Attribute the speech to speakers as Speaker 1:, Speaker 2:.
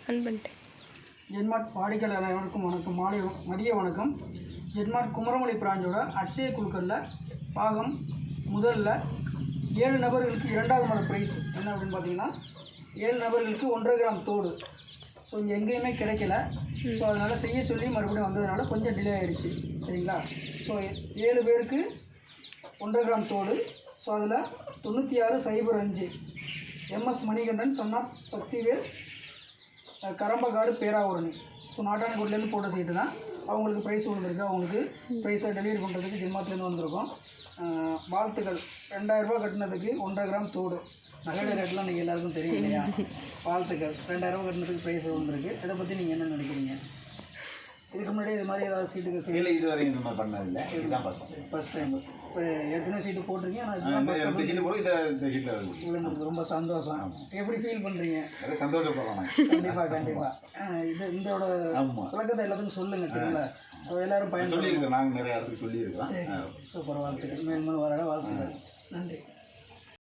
Speaker 1: ஜென்மார்ட் வாடிக்கையாளர் அனைவருக்கும் வணக்கம். மதிய வணக்கம். ஜென்மார்ட் குமரமலை பிராஞ்சோட அட்சய குழுக்களில் பாகம் முதல்ல 7 நபர்களுக்கு 2வது மாத ப்ரைஸ் என்ன அப்படின்னு பார்த்தீங்கன்னா 7 நபர்களுக்கு 1.5 கிராம் தோடு. ஸோ இங்கே எங்கேயுமே கிடைக்கல. ஸோ அதனால் செய்ய சொல்லி மறுபடியும் வந்ததுனால கொஞ்சம் டிலே ஆகிடுச்சு. சரிங்களா? ஸோ 7 பேருக்கு 1.5 கிராம் தோடு. ஸோ அதில் 9605 MS Manikandan son of Sakthivel Karambakkadu Peravurani. So நாட்டாணிக்கோட்டிலேருந்து போட்ட சீட்டு தான். அவங்களுக்கு ப்ரைஸ் விழுந்திருக்கு. அவங்களுக்கு ப்ரைஸை டெலிவரி பண்ணுறதுக்கு ஜென்மார்ட்லேருந்து வந்திருக்கோம். வாழ்த்துக்கள். 2000 ரூபா கட்டினதுக்கு 1.5 கிராம் தோடு. நகை ரேட்லாம் நீங்கள் எல்லாருக்கும் தெரியும் இல்லையா? வாழ்த்துக்கள். 2000 ரூபா கட்டினதுக்கு ப்ரைஸ் விழுந்திருக்கு. இதை பற்றி நீங்கள் என்ன நினைக்கிறீங்க? இதுக்கு முன்னாடி இது மாதிரி ஏதாவது சீட்டுக்கு
Speaker 2: இல்லை, இது வரைக்கும் இந்த மாதிரி பண்ணதில்லை. இதுதான் ஃபஸ்ட் டைம். இப்போ ஏற்கனவே சீட்டு போட்டிருக்கீங்க. ஆனால் இதுதான் ரொம்ப சந்தோஷம். எப்படி ஃபீல் பண்ணுறீங்க? சந்தோஷப்படலாம்.
Speaker 1: கண்டிப்பாக இது இதோட பழக்கத்தை எல்லாத்துக்கும் சொல்லுங்கள். சரிங்களா? எல்லோரும் பயன்
Speaker 2: சொல்லியிருக்கோம். நாங்கள் நிறைய இடத்துக்கு சொல்லியிருக்கிறோம்.
Speaker 1: சரி, சூப்பர். வாழ்த்துக்கள். மேலும் வர வாழ்த்துக்கள். நன்றி.